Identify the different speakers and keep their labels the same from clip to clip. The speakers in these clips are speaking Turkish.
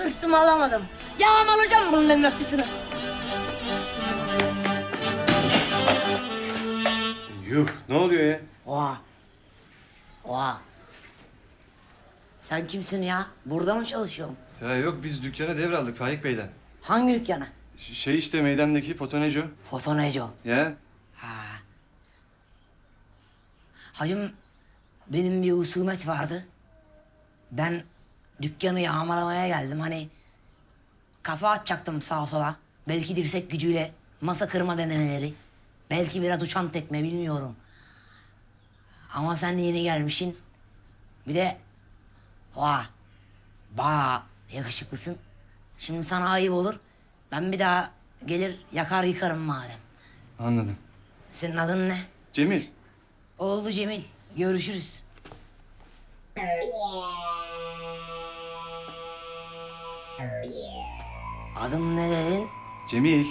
Speaker 1: Hırsımı alamadım. Yağmalayacağım bunların öpüsünü.
Speaker 2: Yuh, ne oluyor ya?
Speaker 1: Oha. Oha. Sen kimsin ya? Burada mı çalışıyorsun?
Speaker 2: Ya yok, biz dükkana devraldık Faik Bey'den.
Speaker 1: Hangi dükkana?
Speaker 2: Şey işte meydandaki Fotoneco.
Speaker 1: Fotoneco.
Speaker 2: Ya?
Speaker 1: Ha. Hacım, benim bir husumet vardı. Ben dükkanı yağmalamaya geldim. Hani kafa atacaktım sağa sola. Belki dirsek gücüyle masa kırma denemeleri. Belki biraz uçan tekme, bilmiyorum. Ama sen yeni gelmişsin. Bir de oha, bayağı yakışıklısın. Şimdi sana ayıp olur. Ben bir daha gelir yakar yıkarım madem.
Speaker 2: Anladım.
Speaker 1: Senin adın ne?
Speaker 2: Cemil.
Speaker 1: Oldu Cemil. Görüşürüz. Adım ne dedin?
Speaker 2: Cemil.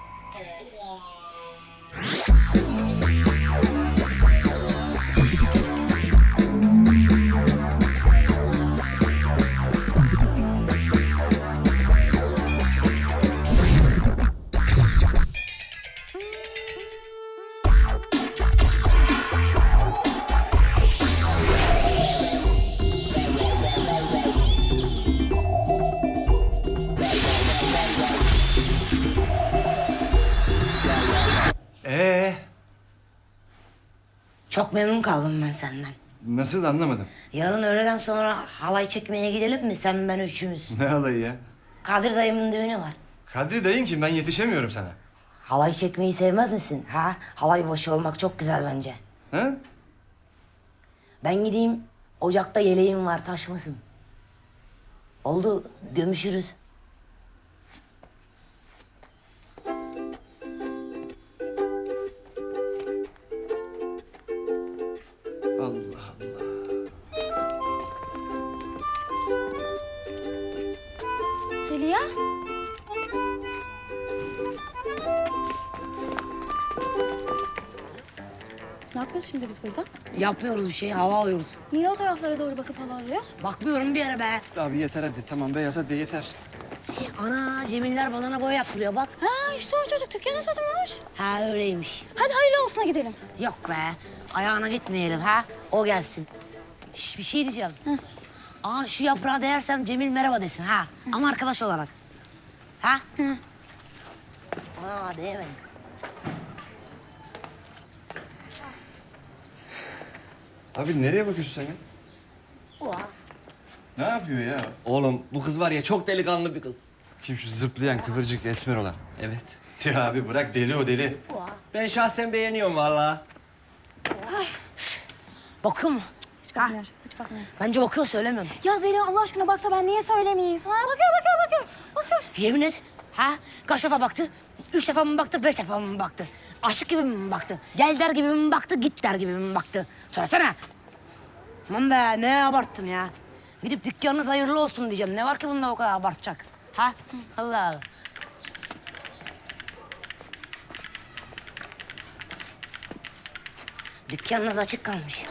Speaker 1: Çok memnun kaldım ben senden.
Speaker 2: Nasıl, anlamadım.
Speaker 1: Yarın öğleden sonra halay çekmeye gidelim mi? Sen, ben, üçümüz.
Speaker 2: Ne halayı ya?
Speaker 1: Kadir dayımın düğünü var.
Speaker 2: Kadri dayın kim? Ben yetişemiyorum sana.
Speaker 1: Halay çekmeyi sevmez misin? Ha? Halay başı olmak çok güzel bence.
Speaker 2: Ha?
Speaker 1: Ben gideyim, ocakta yeleğim var, taşmasın. Oldu, gömüşürüz.
Speaker 2: Allah Allah.
Speaker 3: Zeliha? Ne yapıyoruz şimdi biz burada?
Speaker 1: Yapmıyoruz bir şey, hava alıyoruz.
Speaker 3: Niye o taraflara doğru bakıp hava alıyoruz?
Speaker 1: Bakmıyorum bir yere be.
Speaker 2: Abi yeter hadi, tamam beyaz hadi yeter.
Speaker 1: Ana, Cemiller badana boya yaptırıyor bak.
Speaker 3: Ha işte o çocuk dükkanı tutmuş.
Speaker 1: Ha öyleymiş.
Speaker 3: Hadi hayırlı olsuna gidelim.
Speaker 1: Yok be, ayağına gitmeyelim ha. O gelsin. Şş, bir şey diyeceğim. Aa, şu yaprağa değersem Cemil merhaba desin ha. Ama arkadaş olarak. Ha? Aa, değmedim.
Speaker 2: Abi nereye bakıyorsun sen ya?
Speaker 1: Oha.
Speaker 2: Ne yapıyor ya?
Speaker 4: Oğlum bu kız var ya çok delikanlı bir kız.
Speaker 2: Kim şu zıplayan, kıvırcık, esmer olan?
Speaker 4: Evet.
Speaker 2: Ya abi bırak, deli o deli.
Speaker 4: Ben şahsen beğeniyorum vallahi.
Speaker 1: Bakıyor mu?
Speaker 3: Hiç bakmıyor, hiç bakmıyor.
Speaker 1: Bence bakıyor, söylemiyorum.
Speaker 3: Ya Zeliha Allah aşkına baksa ben niye söylemeyiz? Ha? Bakıyor.
Speaker 1: Yemin et. Ha? Kaç defa baktı? 3 defa mı baktı, 5 defa mı baktı? Aşık gibi mi baktı? Gel der gibi mi baktı, git der gibi mi baktı? Söylesene. Aman be, ne abarttın ya? Gidip dükkanınız hayırlı olsun diyeceğim. Ne var ki bunda o kadar abartacak? Ha? Allah Allah. Dükkanınız açık kalmış.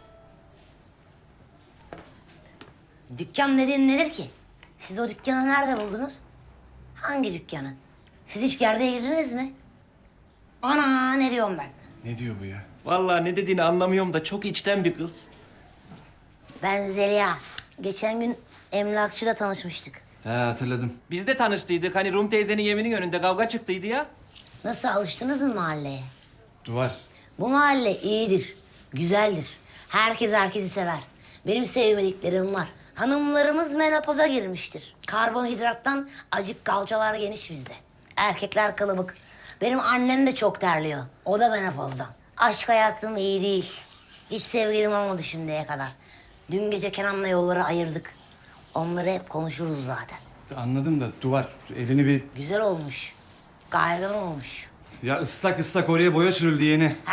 Speaker 1: Dükkan dediğin nedir ki? Siz o dükkanı nerede buldunuz? Hangi dükkanı? Siz hiç gerdeğe girdiniz mi? Ana, ne diyorum ben?
Speaker 2: Ne diyor bu ya?
Speaker 4: Vallahi ne dediğini anlamıyorum da çok içten bir kız.
Speaker 1: Ben Zeliha. Geçen gün emlakçıda tanışmıştık.
Speaker 2: He, hatırladım.
Speaker 4: Biz de tanıştıydık. Hani Rum teyzenin evinin önünde kavga çıktıydı ya.
Speaker 1: Nasıl, alıştınız mı mahalleye?
Speaker 2: Duvar.
Speaker 1: Bu mahalle iyidir, güzeldir. Herkes herkesi sever. Benim sevmediklerim var. Hanımlarımız menopoza girmiştir. Karbonhidrattan acık kalçalar geniş bizde. Erkekler kılıbık. Benim annem de çok terliyor. O da menopozdan. Aşk hayatım iyi değil. Hiç sevgilim olmadı şimdiye kadar. Dün gece Kenan'la yolları ayırdık. Onları hep konuşuruz zaten.
Speaker 2: Anladım da duvar. Elini bir...
Speaker 1: Güzel olmuş. Kaygan olmuş.
Speaker 2: Ya ıslak ıslak oraya boya sürüldü yeni.
Speaker 1: Ha?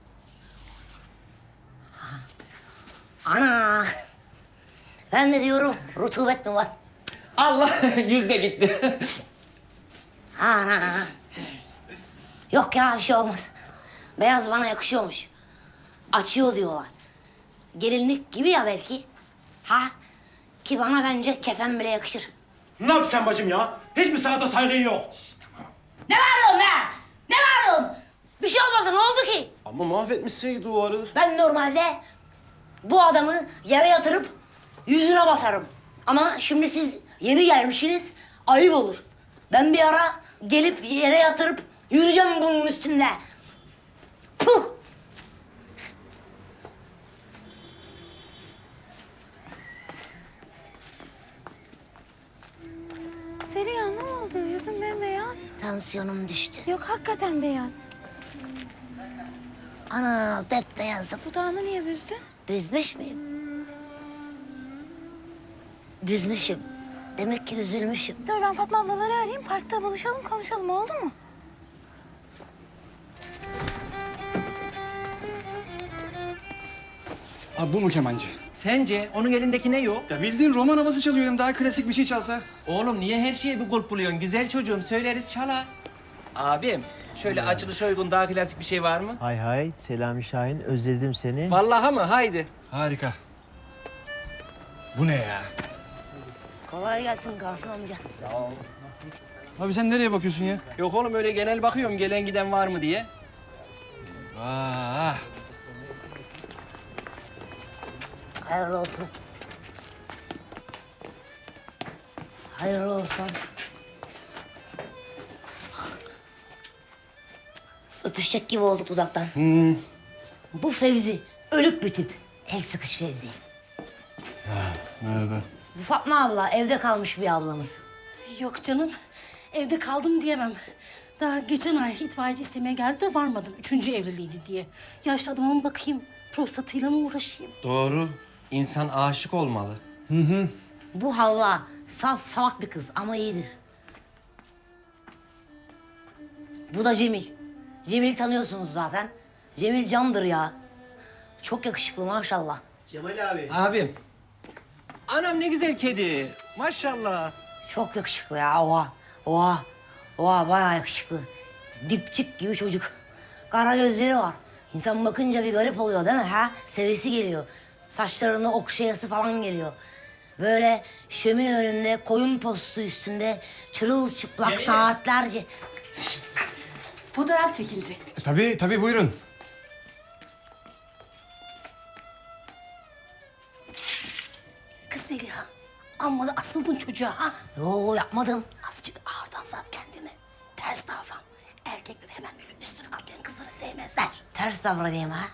Speaker 1: Ana! Ben de diyorum, rutubet mi var?
Speaker 4: Allah yüz de gitti.
Speaker 1: Ana! Yok ya, bir şey olmaz. Beyaz bana yakışıyormuş. Açıyor diyorlar. Gelinlik gibi ya belki. Ha? Ki bana bence kefen bile yakışır.
Speaker 5: Ne yap sen bacım ya? Hiçbir sanata saygın yok.
Speaker 1: Ne bağırıyorsun be? Ne bağırıyorsun? Bir şey olmadı, ne oldu ki?
Speaker 5: Ama mahvetmişsin duvarı.
Speaker 1: Ben normalde bu adamı yere yatırıp yüzüne basarım. Ama şimdi siz yeni gelmişsiniz, ayıp olur. Ben bir ara gelip yere yatırıp yürüyeceğim bunun üstünde. Puh!
Speaker 3: Seriha ne oldu? Yüzün bembeyaz.
Speaker 1: Tansiyonum düştü.
Speaker 3: Yok hakikaten beyaz.
Speaker 1: Ana bembeyazım.
Speaker 3: Dudağını niye büzdün?
Speaker 1: Büzmüş müyüm? Büzmüşüm. Demek ki üzülmüşüm.
Speaker 3: Dur ben Fatma ablaları arayayım. Parkta buluşalım konuşalım oldu mu?
Speaker 2: Abi bu mu kemancı?
Speaker 4: Sence onun elindeki ne yok?
Speaker 2: Ya bildiğin roman havası çalıyorum. Daha klasik bir şey çalsa.
Speaker 4: Oğlum niye her şeye bir kulp buluyorsun? Güzel çocuğum söyleriz çalar. Abim şöyle açılış uygun daha klasik bir şey var mı?
Speaker 6: Hay hay, Selami Şahin, özledim seni.
Speaker 4: Vallahi mı? Haydi.
Speaker 2: Harika. Bu ne ya?
Speaker 1: Kolay gelsin Kasım amca.
Speaker 2: Abi sen nereye bakıyorsun ya?
Speaker 4: Yok oğlum öyle genel bakıyorum gelen giden var mı diye.
Speaker 2: Vah.
Speaker 1: Hayırlı olsun. Hayırlı olsun. Öpüşecek gibi olduk dudaktan. Bu Fevzi, ölük bir tip. El sıkış Fevzi.
Speaker 2: Merhaba.
Speaker 1: Bu Fatma abla, evde kalmış bir ablamız.
Speaker 7: Yok canım. Evde kaldım diyemem. Daha geçen ay itfaiyeci istemeye geldi de varmadım. 3. evliliğiydi diye. Yaşlı adama bakayım. Prostatıyla mı uğraşayım?
Speaker 4: Doğru. İnsan aşık olmalı.
Speaker 1: Bu Havva, saf salak bir kız ama iyidir. Bu da Cemil. Cemil'i tanıyorsunuz zaten. Cemil candır ya. Çok yakışıklı maşallah.
Speaker 4: Abim. Anam ne güzel kedi. Maşallah.
Speaker 1: Çok yakışıklı ya. Oha. Oha. Oha bayağı yakışıklı. Dipçik gibi çocuk. Kara gözleri var. İnsan bakınca bir garip oluyor değil mi ha? Sevesi geliyor. Saçlarını okşayası falan geliyor. Böyle şömine önünde koyun postu üstünde çırılçıplak saatlerce.
Speaker 7: Fotoğraf çekilecek.
Speaker 2: Tabii buyurun.
Speaker 7: Kız Zeliha. Amma da asıldın çocuğa ha.
Speaker 1: Yo yapmadım.
Speaker 7: Azıcık ağırdan sat kendini. Ters davran. Erkekler hemen böyle üstüne kaplayan kızları sevmezler.
Speaker 1: Ters davranayım ha.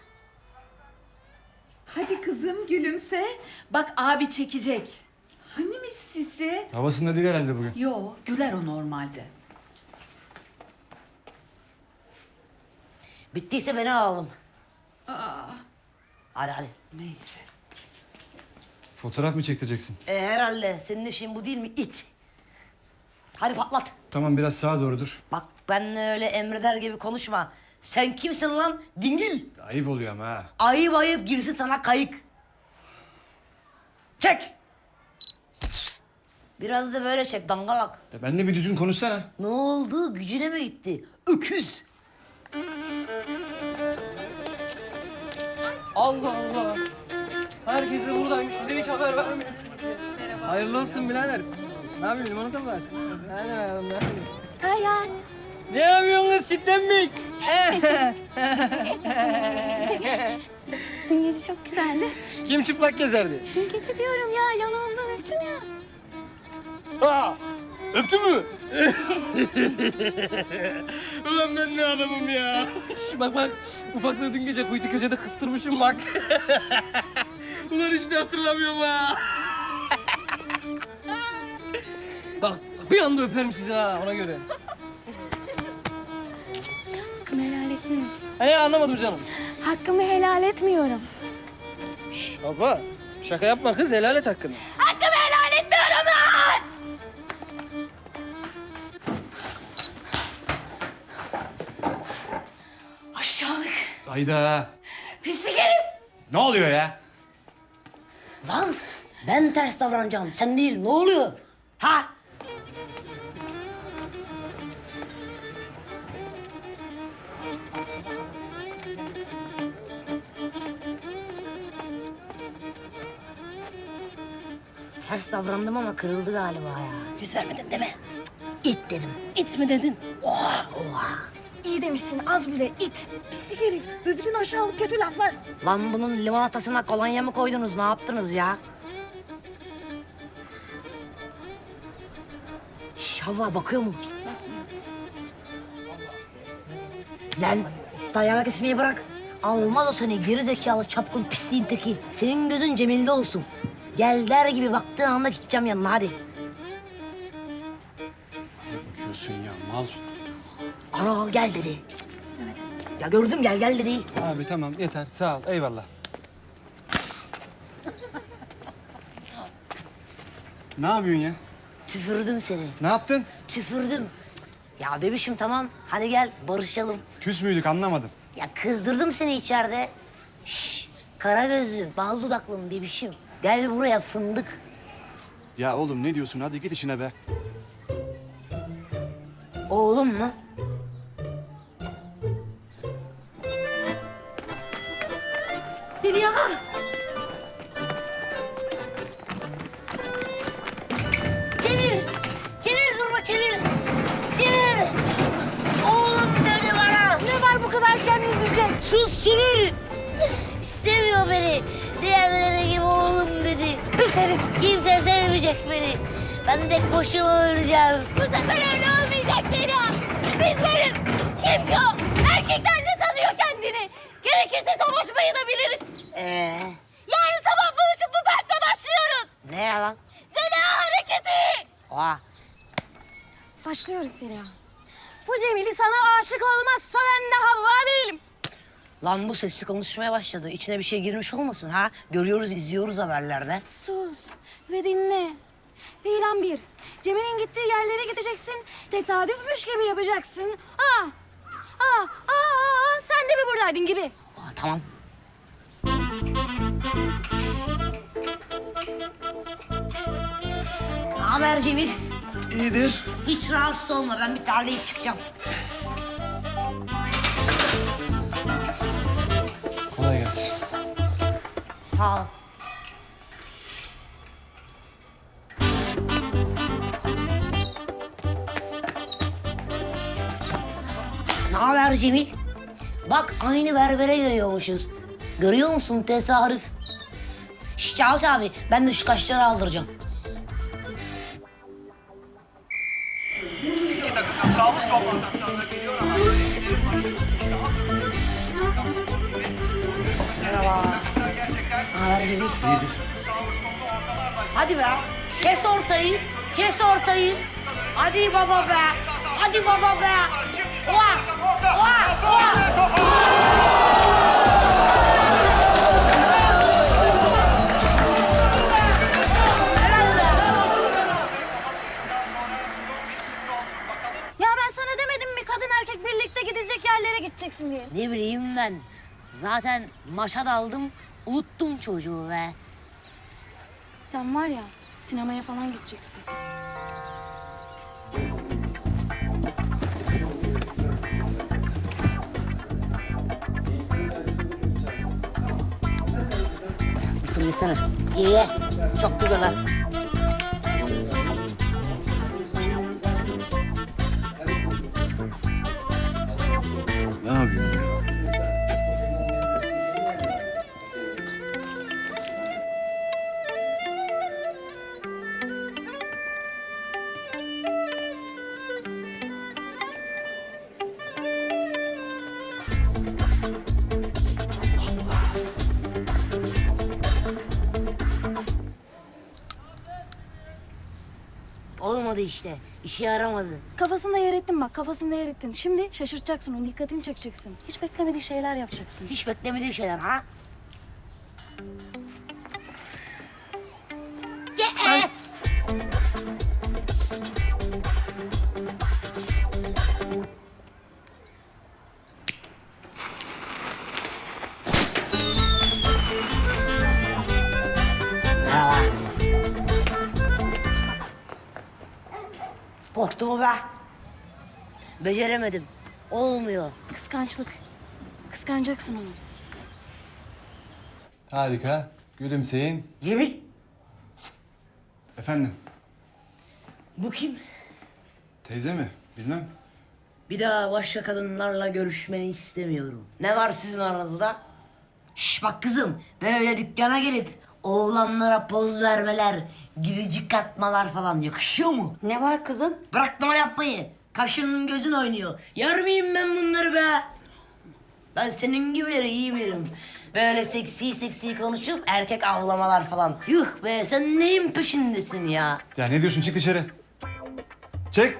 Speaker 8: Hadi kızım gülümse. Bak abi çekecek. Hani mis sisi?
Speaker 2: Havasında değil herhalde bugün.
Speaker 8: Yo güler o normalde.
Speaker 1: Bittiyse beni alalım. Hadi.
Speaker 8: Neyse.
Speaker 2: Fotoğraf mı çektireceksin?
Speaker 1: Herhalde senin işin bu değil mi it? Hadi patlat.
Speaker 2: Tamam biraz sağa doğru dur.
Speaker 1: Bak ben öyle emreder gibi konuşma. Sen kimsin lan dingil?
Speaker 2: Ayıp oluyor ama ha.
Speaker 1: Ayıp ayıp girsin sana kayık. Çek. Biraz da böyle çek dangalak.
Speaker 2: Ya benimle bir düzgün konuşsana.
Speaker 1: Ne oldu gücüne mi gitti? Öküz.
Speaker 9: Allah Allah. Herkes de buradaymış. Bize hiç haber vermiyor. Hayırlı olsun birader. Ne yapıyorsun? Limonata mı var? Hadi bakalım. Ne yapıyorsun?
Speaker 3: Hayal.
Speaker 9: Ne yapıyorsun kız? Çitlenmek.
Speaker 3: Dün gece çok güzeldi.
Speaker 9: Kim çıplak gezerdi?
Speaker 3: Dün gece diyorum ya yanağımdan öptün ya.
Speaker 9: Aa, öptü mü? Ulan ben ne adamım ya. Şş, bak. Ufaklığı dün gece kuytu köşede kıstırmışım bak. Ulan hiç de hatırlamıyorum ha. Bak bir anda öperim sizi ha ona göre.
Speaker 3: Hakkımı helal etmiyorum.
Speaker 9: Hani anlamadım canım.
Speaker 3: Hakkımı helal etmiyorum.
Speaker 9: Şş, baba şaka yapma kız helal et hakkını.
Speaker 1: Hakkımı helal etmiyorum lan!
Speaker 7: Aşağılık.
Speaker 2: Hayda.
Speaker 1: Pislik herif.
Speaker 2: Ne oluyor ya?
Speaker 1: Lan ben ters davranacağım sen değil ne oluyor? Ha? Ters davrandım ama kırıldı galiba ya.
Speaker 7: Yüz vermedin değil mi?
Speaker 1: İt dedim.
Speaker 7: İt mi dedin?
Speaker 1: Oha.
Speaker 3: İyi demişsin az bile it. Pislik herif. Ve bütün aşağılık kötü laflar.
Speaker 1: Lan bunun limonatasına kolonya mı koydunuz? Ne yaptınız ya? Şş, Havva bakıyor mu? Lan dayanak ismeyi bırak. Almaz o seni geri zekalı çapkın pisliğin teki. Senin gözün Cemil'de olsun. Gel der gibi baktığın anda gideceğim yanına hadi.
Speaker 2: Bakıyorsun ya mal.
Speaker 1: Ana gel dedi. Cık. Ya gördüm gel dedi.
Speaker 2: Abi tamam yeter sağ ol eyvallah. Ne yapıyorsun ya?
Speaker 1: Tüfürdüm seni.
Speaker 2: Ne yaptın?
Speaker 1: Tüfürdüm. Ya bebişim tamam hadi gel barışalım.
Speaker 2: Küs müydük anlamadım.
Speaker 1: Ya kızdırdım seni içeride. Şş, kara gözlü, bal dudaklım bebişim. Gel buraya fındık.
Speaker 2: Ya oğlum ne diyorsun hadi git işine be.
Speaker 1: Oğlum mu?
Speaker 7: Zeliha!
Speaker 1: Çevir durma çevir. Çevir. Oğlum dedi bana. Ne var bu kadar kendini üzecek? Sus çevir. İstemiyor beni. Diğerleri gibi oğlum dedi. Pis herif. Kimse sevmeyecek beni. Ben de başıma öleceğim.
Speaker 3: Bu sefer öyle olmayacak Zeliha. Biz varız. Kim ki o? Erkekler ne sanıyor kendini? Gerekirse savaşmayı da biliriz. Yarın sabah buluşup bu parkta başlıyoruz.
Speaker 1: Ne yalan?
Speaker 3: Zeliha hareketi.
Speaker 1: Oha.
Speaker 3: Başlıyoruz Zeliha. Bu Cemil'i sana aşık olmazsa ben de Havva değilim.
Speaker 1: Lan bu sesli konuşmaya başladı. İçine bir şey girmiş olmasın ha? Görüyoruz, izliyoruz haberlerde.
Speaker 3: Sus ve dinle. Plan 1. Cemil'in gittiği yerlere gideceksin. Tesadüfmüş gibi yapacaksın. Sen de mi buradaydın gibi.
Speaker 1: Tamam. Ne haber Cemil?
Speaker 2: İyidir.
Speaker 1: Hiç rahatsız olma. Ben bir tarlayıp çıkacağım.
Speaker 2: Kolay gelsin.
Speaker 1: Sağ ol. Ne haber Cemil? Bak aynı berbere görüyormuşuz. Görüyor musun tesadüf? Şş Cavit abi ben de şu kaşları aldıracağım. Merhaba. Ne haber Cemil? İyidir. Hadi be. Kes ortayı. Kes ortayı. Hadi baba be. Hadi baba be. Oha. Oha. Oha.
Speaker 3: Ya ben sana demedim mi kadın erkek birlikte gidecek yerlere gideceksin diye.
Speaker 1: Ne bileyim ben. Zaten maşa daldım. Unuttum çocuğu be.
Speaker 3: Sen var ya sinemaya falan gideceksin.
Speaker 1: Fırlasana. Ye. Çok güzel lan.
Speaker 2: Ne yapıyorsun ya?
Speaker 1: Olmadı işte. İşe yaramadı.
Speaker 3: Kafasında yer ettin bak kafasında yer ettin. Şimdi şaşırtacaksın onun dikkatini çekeceksin. Hiç beklemediği şeyler yapacaksın.
Speaker 1: Hiç beklemediğim şeyler ha? Ye. Merhaba. Korktu mu be? Beceremedim. Olmuyor.
Speaker 3: Kıskançlık. Kıskanacaksın onu.
Speaker 2: Harika. Gülümseyin.
Speaker 1: Cemil.
Speaker 2: Efendim?
Speaker 1: Bu kim?
Speaker 2: Teyze mi? Bilmem.
Speaker 1: Bir daha başka kadınlarla görüşmeni istemiyorum. Ne var sizin aranızda? Şş bak kızım, böyle dükkana gelip oğlanlara poz vermeler, gülücük atmalar falan yakışıyor mu?
Speaker 7: Ne var kızım?
Speaker 1: Bırak numara yapmayı. Kaşın gözün oynuyor. Yer miyim ben bunları be? Ben senin gibi iyi birim. Böyle seksi konuşup erkek avlamalar falan. Yuh be, sen neyin peşindesin ya?
Speaker 2: Ya ne diyorsun? Çık dışarı. Çek.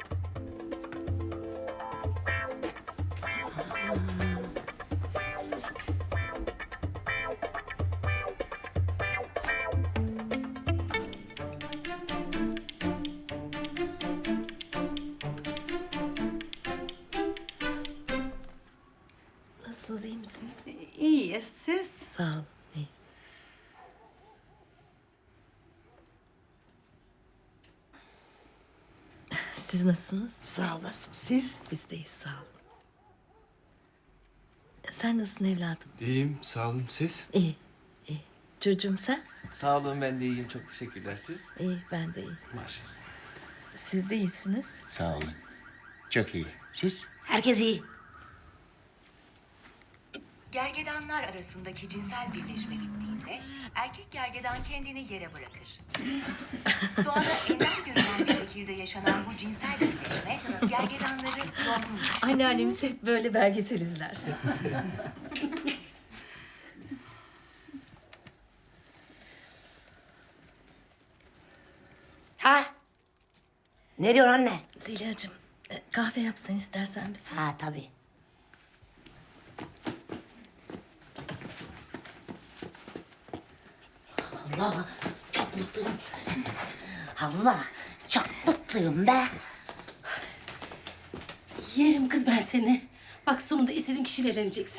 Speaker 3: Nasılsınız, iyi misiniz?
Speaker 7: İyiyiz siz?
Speaker 3: Sağ olun, iyi. Siz nasılsınız?
Speaker 7: Sağ olasın. Siz?
Speaker 3: Biz deyiz, sağ olun. Sen nasılsın evladım?
Speaker 2: İyiyim, sağ olun. Siz?
Speaker 3: İyi, iyi. Çocuğum sen?
Speaker 4: Sağ olun, ben de iyiyim. Çok teşekkürler. Siz?
Speaker 3: İyi, ben de iyiyim.
Speaker 4: Maşallah.
Speaker 3: Siz de iyisiniz.
Speaker 6: Sağ olun. Çok iyi. Siz?
Speaker 1: Herkes iyi.
Speaker 10: Gergedanlar arasındaki cinsel birleşme bittiğinde erkek gergedan kendini yere bırakır. Doğada ender görülen bir şekilde yaşanan bu cinsel birleşme gergedanları yorgunmuş.
Speaker 3: Anneannemiz hep böyle belgesel izler.
Speaker 1: Ha? Ne diyorsun anne?
Speaker 3: Zeliha'cığım, kahve yapsan istersen bize.
Speaker 1: Ha tabii. Allah, çok mutluyum. Allah, çok mutluyum be.
Speaker 7: Yerim kız ben seni. Bak sonunda istediğin kişiyle evleneceksin.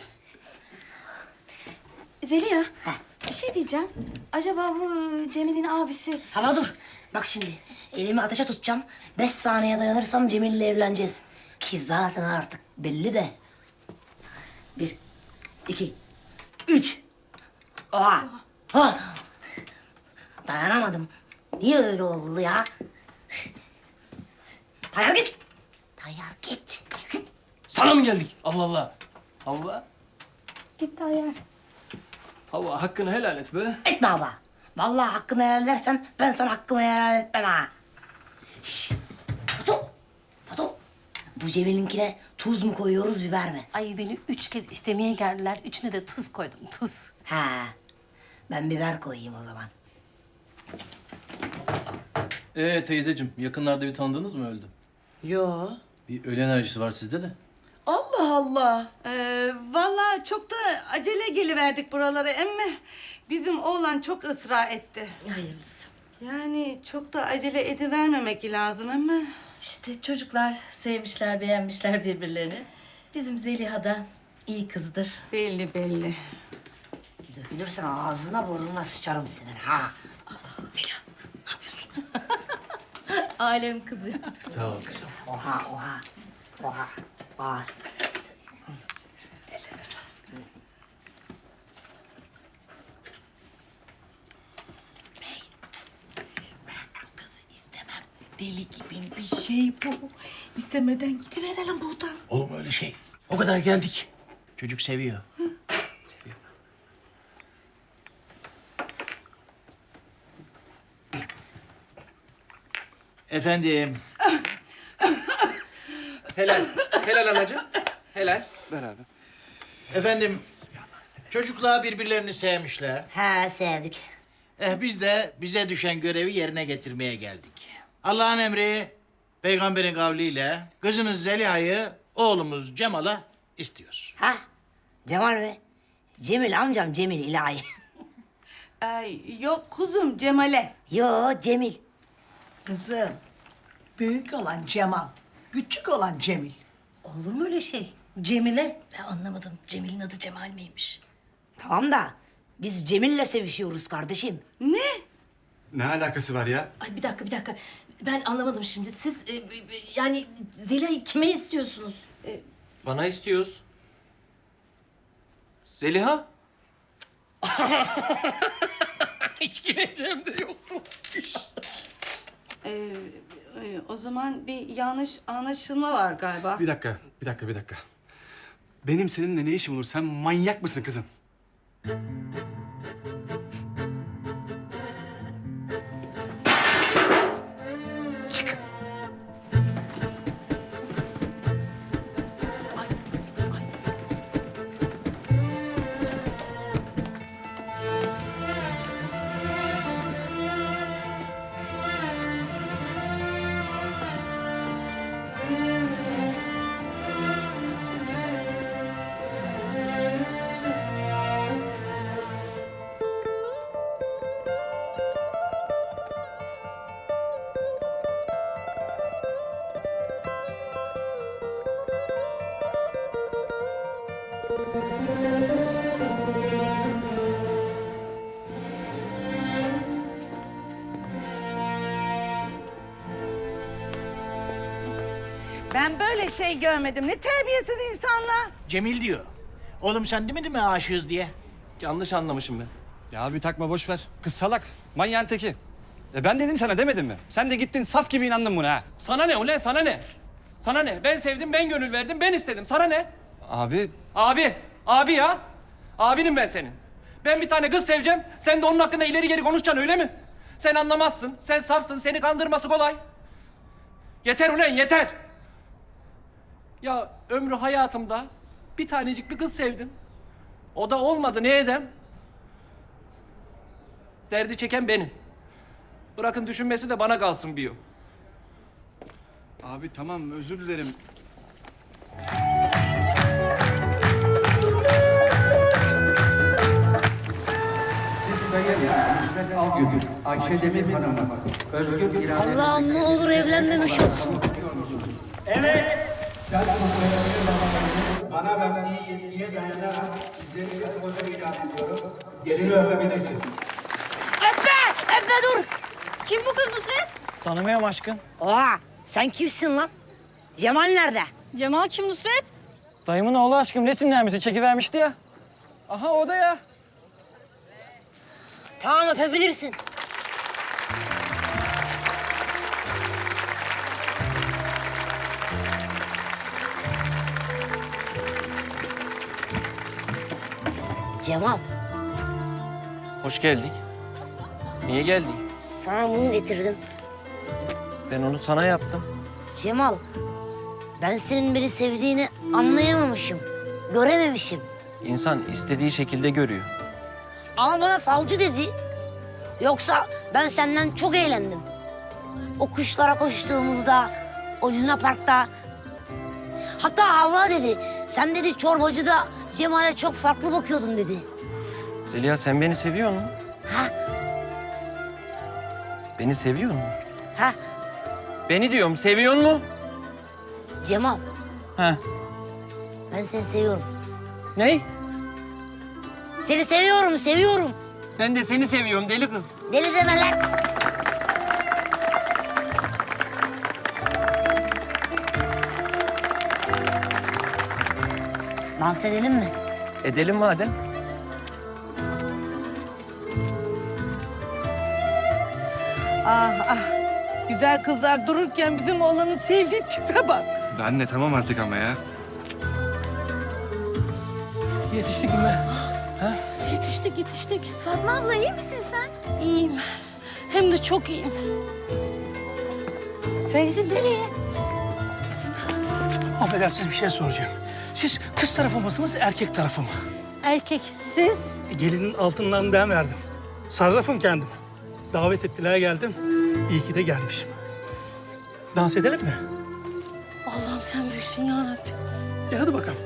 Speaker 3: Zeliha, bir şey diyeceğim. Acaba bu Cemil'in abisi...
Speaker 1: Hava dur. Bak şimdi, elimi ateşe tutacağım. 5 saniye dayanırsam Cemil'le evleneceğiz. Ki zaten artık belli de. 1, 2, 3. Oha! Ha! Dayanamadım. Niye öyle oldu ya? Tayyar git! Tayyar git!
Speaker 9: Sana mı geldik? Allah Allah. Havva.
Speaker 3: Gitti ayar.
Speaker 9: Havva hakkını helal et be.
Speaker 1: Etme baba. Vallahi hakkını helal edersen ben sana hakkımı helal etmem ha. Şşş! Foto! Foto! Bu Cemil'inkine tuz mu koyuyoruz, biber mi?
Speaker 7: Ay beni 3 kez istemeye geldiler. 3'üne de tuz koydum, tuz.
Speaker 1: Ha. Ben biber koyayım o zaman.
Speaker 5: Teyzeciğim, yakınlarda bir tanıdığınız mı öldü?
Speaker 11: Yo.
Speaker 5: Bir ölü enerjisi var sizde de.
Speaker 11: Allah Allah. Vallahi çok da acele geliverdik buralara emme. Bizim oğlan çok ısrar etti.
Speaker 3: Hayırlısı.
Speaker 11: Yani çok da acele edivermemek lazım emme.
Speaker 3: İşte çocuklar sevmişler, beğenmişler birbirlerini. Bizim Zeliha da iyi kızdır.
Speaker 11: Belli belli.
Speaker 1: Bilirsin ağzına burnuna sıçarım senin ha. Zeliha, ne yapıyorsun?
Speaker 3: Alem kızı.
Speaker 5: Sağ ol kızım.
Speaker 1: Oha, oha. Oha, oha. Ellerine sağlık. Bey, ben o kızı istemem. Deli gibi bir şey bu.
Speaker 11: İstemeden gidiverelim buradan.
Speaker 6: Olur mu öyle şey? O kadar geldik. Çocuk seviyor. Efendim.
Speaker 9: Helal. Helal anacığım. Helal.
Speaker 2: Beraber.
Speaker 6: Efendim. Çocuklar birbirlerini sevmişler.
Speaker 1: Ha, sevdik.
Speaker 6: Biz de bize düşen görevi yerine getirmeye geldik. Allah'ın emri, peygamberin kavliyle kızınız Zeliha'yı oğlumuz Cemal'a istiyoruz.
Speaker 1: Ha? Cemal mi? Cemil amcam, Cemil ilahi.
Speaker 11: Ay, yok kuzum Cemal'e.
Speaker 1: Yo, Cemil.
Speaker 11: Kızım, büyük olan Cemal, küçük olan Cemil.
Speaker 7: Olur mu öyle şey? Cemile.
Speaker 3: Ben anlamadım. Cemil'in adı Cemal miymiş?
Speaker 1: Tamam da biz Cemil'le sevişiyoruz kardeşim.
Speaker 11: Ne?
Speaker 2: Ne alakası var ya?
Speaker 3: Ay bir dakika. Ben anlamadım şimdi. Siz yani Zeliha'yı kime istiyorsunuz?
Speaker 4: Bana istiyoruz. Zeliha?
Speaker 9: Hiç gireceğim de yoktu.
Speaker 11: O zaman bir yanlış anlaşılma var galiba.
Speaker 2: Bir dakika. Benim seninle ne işim olur? Sen manyak mısın kızım?
Speaker 11: Ben böyle şey görmedim. Ne terbiyesiz insanlar.
Speaker 6: Cemil diyor. Oğlum sen demedin mi aşığız diye?
Speaker 4: Yanlış anlamışım ben.
Speaker 2: Ya bir takma boş ver. Kız salak. Manyağın teki. Ben dedim sana demedim mi? Sen de gittin saf gibi inandın buna ha.
Speaker 4: Sana ne ulan, sana ne? Sana ne? Ben sevdim, ben gönül verdim, ben istedim. Sana ne?
Speaker 2: Abi
Speaker 4: Abi ya. Abinim ben senin. Ben bir tane kız seveceğim, sen de onun hakkında ileri geri konuşacaksın öyle mi? Sen anlamazsın, sen safsın, seni kandırması kolay. Yeter ulan, yeter. Ya ömrü hayatımda bir tanecik bir kız sevdim. O da olmadı, ne edem? Derdi çeken benim. Bırakın düşünmesi de bana kalsın bir o.
Speaker 2: Abi tamam özür dilerim.
Speaker 12: Ayşe Demir Hanım'a özgür irade...
Speaker 1: Allah'ım ne olur evlenmemiş olsun.
Speaker 12: Bana verdiği yetkiye dayanarak sizleri bir koca ilan ediyorum. Gelini öpebilirsin.
Speaker 3: Öpme dur. Kim bu kız Nusret?
Speaker 4: Tanımıyorum aşkım.
Speaker 1: Aa, sen kimsin lan? Cemal nerede?
Speaker 3: Cemal kim Nusret?
Speaker 4: Dayımın oğlu aşkım resimlerimizi çekivermişti ya. Aha o da ya.
Speaker 1: Tamam öpebilirsin. Cemal,
Speaker 4: Hoş geldik. Niye geldik?
Speaker 1: sana bunu getirdim.
Speaker 4: Ben onu sana yaptım.
Speaker 1: Cemal, ben senin beni sevdiğini anlayamamışım. Görememişim.
Speaker 4: İnsan istediği şekilde görüyor.
Speaker 1: Ama bana falcı dedi. Yoksa ben senden çok eğlendim. O kuşlara koştuğumuzda, o Luna Park'ta. Hatta Havva dedi, sen dedi çorbacıda Cemal'e çok farklı bakıyordun dedi.
Speaker 4: Zeliha sen beni seviyor musun?
Speaker 1: Ha,
Speaker 4: Beni seviyor musun?
Speaker 1: ha,
Speaker 4: Beni diyorum seviyor musun?
Speaker 1: Cemal,
Speaker 4: Ha.
Speaker 1: ben seni seviyorum.
Speaker 4: Ney?
Speaker 1: Seni seviyorum, seviyorum.
Speaker 4: Ben de seni seviyorum deli kız.
Speaker 1: Deli deme lan. Dans edelim mi?
Speaker 4: Edelim madem.
Speaker 11: Ah ah. Güzel kızlar dururken bizim oğlanın sevdiği tipe bak.
Speaker 2: Anne tamam artık ama ya.
Speaker 9: Yetiştik mi?
Speaker 7: Yetiştik.
Speaker 3: Fatma abla iyi misin sen?
Speaker 7: İyiyim. Hem de çok iyiyim. Fevzi nereye?
Speaker 9: Affedersiniz bir şey soracağım. Siz kız tarafı mısınız, erkek tarafı mı?
Speaker 7: Erkek. Siz?
Speaker 9: Gelinin altından ben verdim. Sarrafım kendim. Davet ettiler geldim. İyi ki de gelmişim. Dans edelim mi?
Speaker 7: Allah'ım sen büyüksün ya Rabbi.
Speaker 9: Hadi bakalım.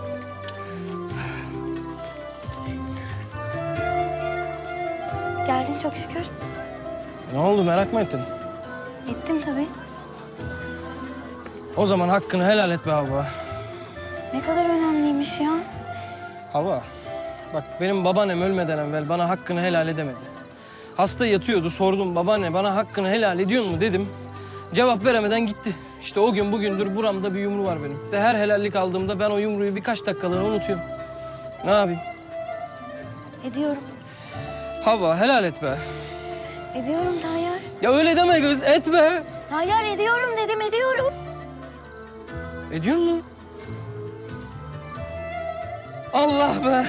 Speaker 3: Geldin çok şükür.
Speaker 9: Ne oldu merak mı ettin?
Speaker 3: Ettim tabii.
Speaker 9: O zaman hakkını helal et be Havva.
Speaker 3: Ne kadar önemliymiş ya.
Speaker 9: Havva, bak benim babaannem ölmeden evvel bana hakkını helal edemedi. Hasta yatıyordu, sordum babaanne bana hakkını helal ediyor mu dedim. Cevap veremeden gitti. İşte o gün bugündür buramda bir yumru var benim. Ve her helallik aldığımda ben o yumruyu birkaç dakikalığına unutuyorum. Ne yapayım?
Speaker 3: Ediyorum.
Speaker 9: Havva helal et be.
Speaker 3: Ediyorum Tayyar.
Speaker 9: Ya öyle deme kız, etme.
Speaker 3: Hayır ediyorum dedim ediyorum.
Speaker 9: Ediyor mu? Allah be.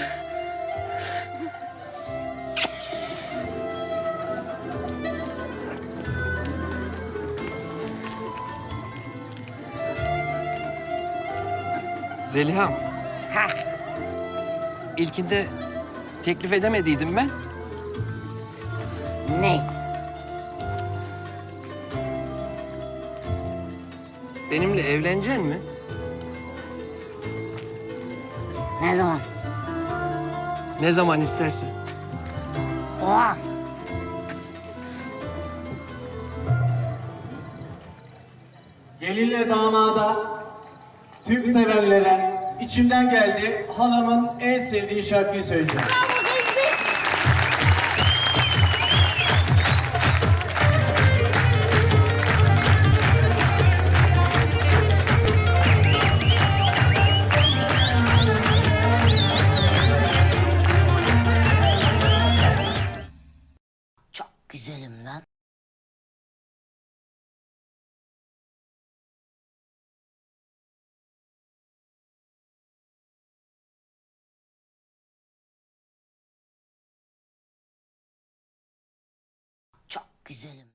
Speaker 4: Zeliha'm.
Speaker 1: Ha,
Speaker 4: İlkinde teklif edemediydim ben.
Speaker 1: ne?
Speaker 4: Benimle evlenecek mi?
Speaker 1: Ne zaman?
Speaker 4: Ne zaman istersen.
Speaker 1: O an.
Speaker 12: Gelinle damada, tüm sevenlere içimden geldi halamın en sevdiği şarkıyı söyleyeceğim.
Speaker 1: Çok güzelim lan. Çok güzelim.